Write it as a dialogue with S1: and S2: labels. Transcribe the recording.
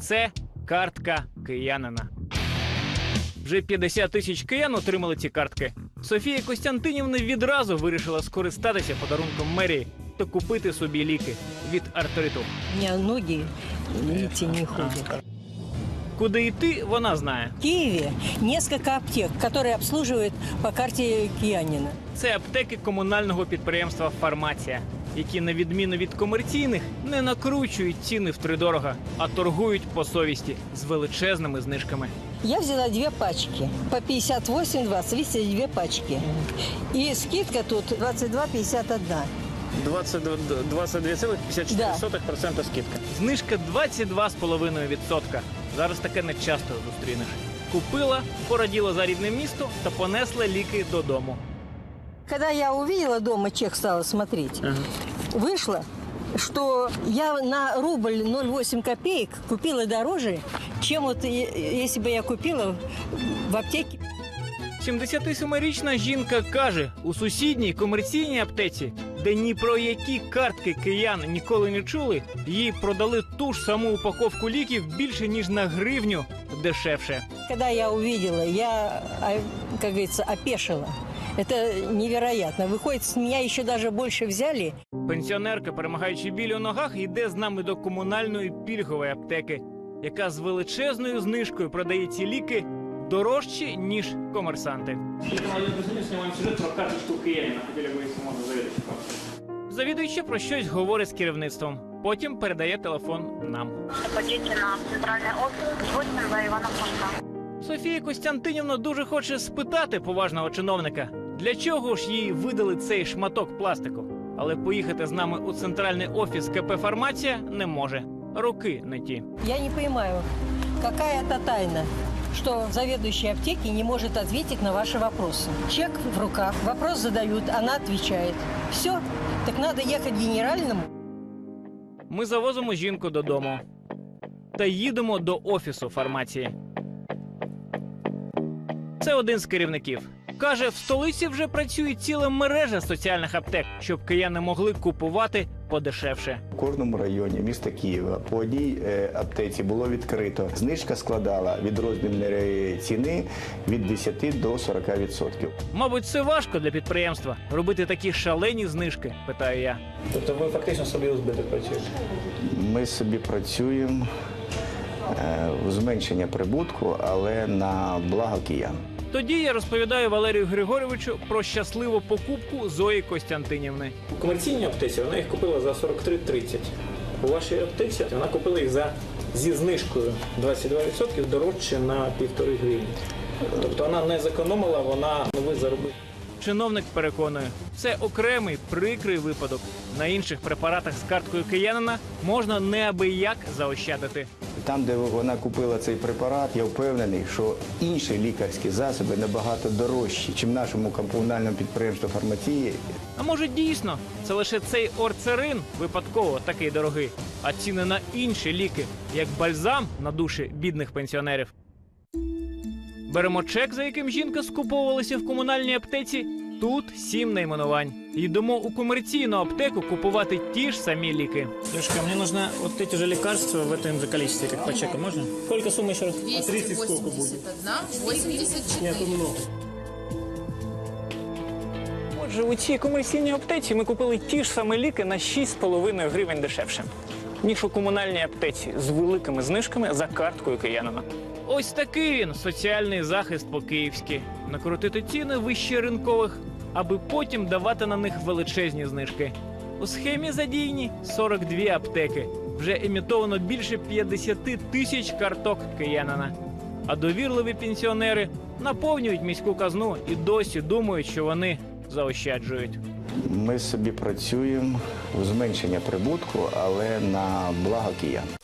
S1: Це картка киянина. Вже 50 тисяч киян отримали ці картки. Софія Костянтинівна відразу вирішила скористатися подарунком мерії та купити собі ліки від артриту.
S2: У меня ноги, видите, не ходят.
S1: Куди йти, вона знає.
S2: В Киеве несколько аптек, которые обслуживают по карте Киянина.
S1: Це аптеки комунального підприємства «Фармація», які, на відміну від комерційних, не накручують ціни втридорога, а торгують по совісті з величезними знижками.
S2: Я взяла 2 пачки по 58,20, видите, 2 пачки. И скидка тут 22,51.
S1: 22,54% скидка. Знижка 22,5%. Зараз таке не часто зустрінеш. Купила, пораділа за рідне місто та понесла ліки додому.
S2: Когда я увидела дома, чек стала смотреть, вышло, что я на рубль 0,8 копеек купила дороже, чем вот если бы я купила в аптеке.
S1: 77-річна жінка каже, у сусідній комерційній аптеці, де ні про які картки киян ніколи не чули, їй продали ту ж саму упаковку ліків більше, ніж на гривню дешевше.
S2: Когда я увидела, я, как говорится, опешила. Это невероятно. Выходит, с меня еще даже больше взяли.
S1: Пенсіонерка, перемагаючи біль у ногах, йде з нами до комунальної пільгової аптеки, яка з величезною знижкою продає ці ліки дорожчі, ніж комерсанти. Завідуюча про щось говорить з керівництвом. Потім передає телефон нам.
S3: Ходіть на центральний офіс, 8 за Івана Франка.
S1: Софія Костянтинівна дуже хоче спитати поважного чиновника, для чого ж їй видали цей шматок пластику. Але поїхати з нами у центральний офіс КП «Фармація» не може. Руки не ті.
S2: Я не понимаю, какая это тайна, что заведующая аптеки не может ответить на ваши вопросы. Чек в руках, вопрос задают, она отвечает. Все, так надо ехать к генеральному.
S1: Ми завозимо жінку додому та їдемо до офісу «Фармації». Це один з керівників. Каже, в столиці вже працює ціла мережа соціальних аптек, щоб кияни могли купувати подешевше.
S4: У кожному районі міста Києва по одній аптеці було відкрито. Знижка складала від розмірної ціни від 10 до 40%.
S1: Мабуть, це важко для підприємства – робити такі шалені знижки, питаю я.
S5: Тобто ви фактично собі у збиток працюєте?
S4: Ми собі працюємо у зменшення прибутку, але на благо киян.
S1: Тоді я розповідаю Валерію Григоровичу про щасливу покупку Зої Костянтинівни.
S5: У комерційній аптеці вона їх купила за 43,30. У вашій аптеці вона купила їх зі знижкою 22% дорожче на 1,5 гривні. Тобто вона не зекономила, вона новий заробив.
S1: Чиновник переконує, це окремий прикрий випадок. На інших препаратах з карткою киянина можна неабияк заощадити.
S4: Там, де вона купила цей препарат, я впевнений, що інші лікарські засоби набагато дорожчі, ніж нашому комунальному підприємству «Фармації».
S1: А може дійсно, це лише цей орцерин випадково такий дорогий, а ціни на інші ліки, як бальзам на душі бідних пенсіонерів. Беремо чек, за яким жінка скуповувалася в комунальній аптеці. Тут 7 найменувань. Йдемо у комерційну аптеку купувати ті ж самі ліки.
S5: Лешка, мне нужно вот эти же лекарства в этом же количестве, как по чеку, можно? Сколько сумма еще раз?
S6: 281, 84.
S5: Нет, много.
S1: Отже, у цій комерційній аптеці ми купили ті ж самі ліки на 6,5 гривень дешевше, ніж у комунальній аптеці з великими знижками за карткою киянина. Ось такий він, соціальний захист по-київськи. Накрутити ціни вище ринкових, аби потім давати на них величезні знижки. У схемі задіяні 42 аптеки. Вже емітовано більше 50 тисяч карток киянина. А довірливі пенсіонери наповнюють міську казну і досі думають, що вони заощаджують.
S4: Ми собі працюємо у зменшення прибутку, але на благо киян.